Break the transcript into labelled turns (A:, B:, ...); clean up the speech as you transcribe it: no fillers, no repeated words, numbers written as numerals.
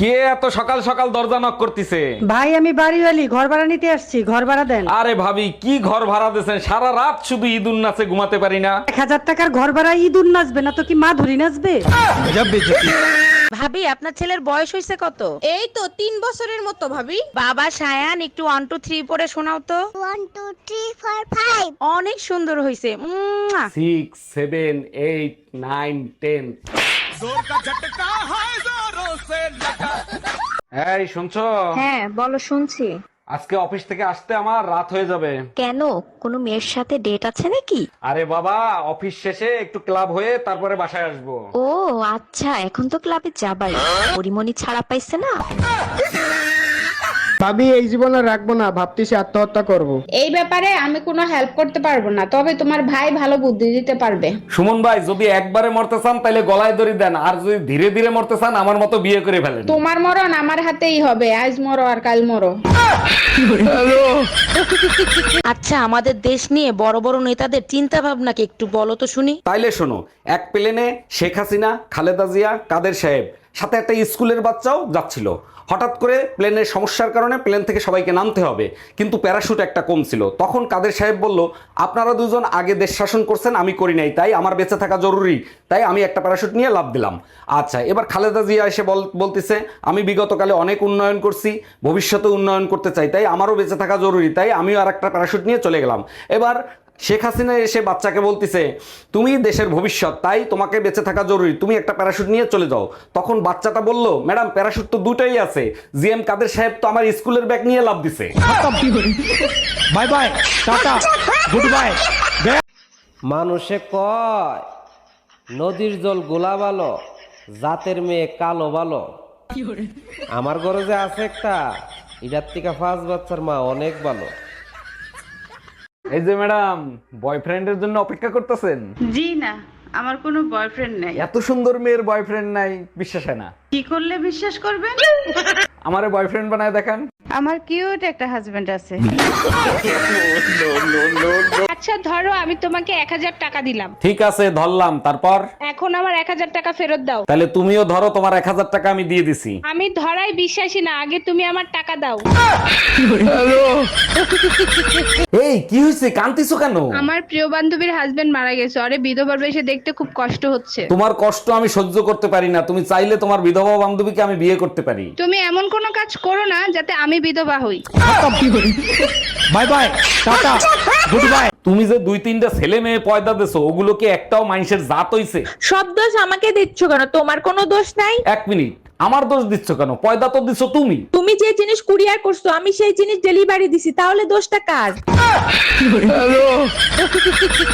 A: কে এত সকাল সকাল দরজা নক করতেছে?
B: ভাই আমি বাড়িওয়ালি, ঘর ভাড়া নিতে আসছি, ঘর ভাড়া দেন।
A: আরে ভাবি, কি ঘর ভাড়া দিয়েছেন? সারা রাত শুধু ঈদুন নাচে ঘুমাতে পারি না।
B: 1000 টাকার ঘর ভাড়া ইঁদুর নাচবে না তো কি মা ধরি নাচবে?
C: ভাবি আপনার ছেলের বয়স হয়েছে কত?
D: এই তো 3 বছরের মতো ভাবি।
C: বাবা সায়ান একটু 1 2 3 পড়ে শোনাও তো।
D: 1 2 3 4 5
C: অনেক সুন্দর হয়েছে।
A: 6 7 8 9 10। এই শুনছো?
E: হ্যাঁ বলো, শুনছি।
A: আজকে অফিস থেকে আসতে আমার রাত হয়ে যাবে।
E: কেন, কোনো মেয়ের সাথে ডেট আছে নাকি?
A: আরে বাবা, অফিস শেষে একটু ক্লাব হয়ে তারপরে বাসায় আসবো।
E: ও আচ্ছা, এখন তো ক্লাবে যাবাই, পরিমণি ছাড়া পাইছে না।
F: ভাবি এই জীবনে রাখবো না, ভাবতেছি আত্মহত্যা করব।
G: এই ব্যাপারে আমি কোনো হেল্প করতে পারবো না, তবে তোমার ভাই ভালো বুদ্ধি দিতে পারবে।
A: সুমন ভাই, যদি একবারে মরতে চান তাহলে গলায় দড়ি দেন, আর যদি ধীরে ধীরে মরতে চান আমার মতো বিয়ে করে ফেলেন।
G: তোমার মরণ আমার হাতেই হবে, আজ মরো আর কাল মরো।
C: আচ্ছা, আমাদের দেশ নিয়ে বড় বড় নেতাদের চিন্তা ভাবনা কি একটু বলো তো শুনি।
A: তাইলে শোনো, এক প্লেনে শেখ হাসিনা, খালেদা জিয়া, কাদের সাহেব, সাথে একটা স্কুলের বাচ্চাও যাচ্ছিল। হঠাৎ করে প্লেনের সমস্যার কারণে প্লেন থেকে সবাইকে নামতে হবে, কিন্তু প্যারাশুট একটা কম ছিল। তখন কাদের সাহেব বলল, আপনারা দুজন আগে দেশ শাসন করছেন, আমি করি নাই, তাই আমার বেঁচে থাকা জরুরি, তাই আমি একটা প্যারাশুট নিয়ে লাফ দিলাম। আচ্ছা, এবার খালেদা জিয়া এসে বলতেছে, আমি বিগতকালে অনেক উন্নয়ন করছি, ভবিষ্যতে উন্নয়ন করতে চাই, তাই আমারও বেঁচে থাকা জরুরি, তাই আমিও আর একটা প্যারাশুট নিয়ে চলে গেলাম। এবার শেখ হাসিনা এসে বাচ্চাকে বলতেছে, তুমি দেশের ভবিষ্যৎ, তাই তোমাকে বেঁচে থাকা জরুরি, তুমি একটা প্যারাশুট নিয়ে চলে যাও। তখন বাচ্চাটা বলল, ম্যাডাম প্যারাশুট তো দুটাই আছে, জিএম কাদের সাহেব তো আমার স্কুলের ব্যাগ নিয়ে লাফ দিছে।
F: Bye bye, tata, good bye.
H: মানুষে কয় নদীর জল গোলা ভালো, জাতের মেয়ে কালো ভালো। আমার ঘরে যে আছে একটা, এটার থেকে 5 বাচ্চার মা অনেক ভালো।
A: এই যে ম্যাডাম, বয়ফ্রেন্ডের জন্য অপেক্ষা করতেছেন?
G: জি না, আমার কোনো বয়ফ্রেন্ড নেই।
A: এত সুন্দর মেয়ের বয়ফ্রেন্ড নাই, বিশ্বাস হয় না।
G: কি করলে বিশ্বাস করবেন?
A: আমারে বয়ফ্রেন্ড বানায় দেখান।
G: আমার কিউট একটা হাজবেন্ড আছে। আচ্ছা ধরো, আমি তোমাকে 1000 টাকা দিলাম,
A: ঠিক আছে, ধরলাম, তারপর?
G: এখন আমার 1000 টাকা ফেরত দাও।
A: তাহলে তুমিও ধরো, তোমার 1000 টাকা আমি দিয়ে দিছি।
G: আমি ধরাই বিশ্বাসী না, আগে তুমি আমার টাকা দাও।
A: এই কি হয়েছে, কান্তিছো কেন?
G: আমার প্রিয় বান্ধবীর হাজবেন্ড মারা গেছে, আরে বিধবার বেশে দেখতে খুব কষ্ট হচ্ছে।
A: তোমার কষ্ট আমি সহ্য করতে পারি না, তুমি চাইলে তোমার বিধবা বান্ধবীকে আমি বিয়ে করতে পারি।
G: তুমি এমন কোনো কাজ করো না যাতে আমি বিধবা হই।
F: Bye bye, tata, good bye.
A: তুমি যে 2-3টা ছেলে মেয়ে পয়দা দিছো, ওগুলো কি একটাও মানুষের জাত হইছে?
C: সব দোষ আমাকে দিচ্ছ কেন? তোমার কোনো দোষ নাই।
A: এক মিনিট, আমার দোষ দিচ্ছ কেন? পয়দা তো দিছো তুমি।
C: তুমি যে জিনিস কুরিয়ার করছো আমি সেই জিনিস ডেলিভারি দিছি, তাহলে দোষটা কার?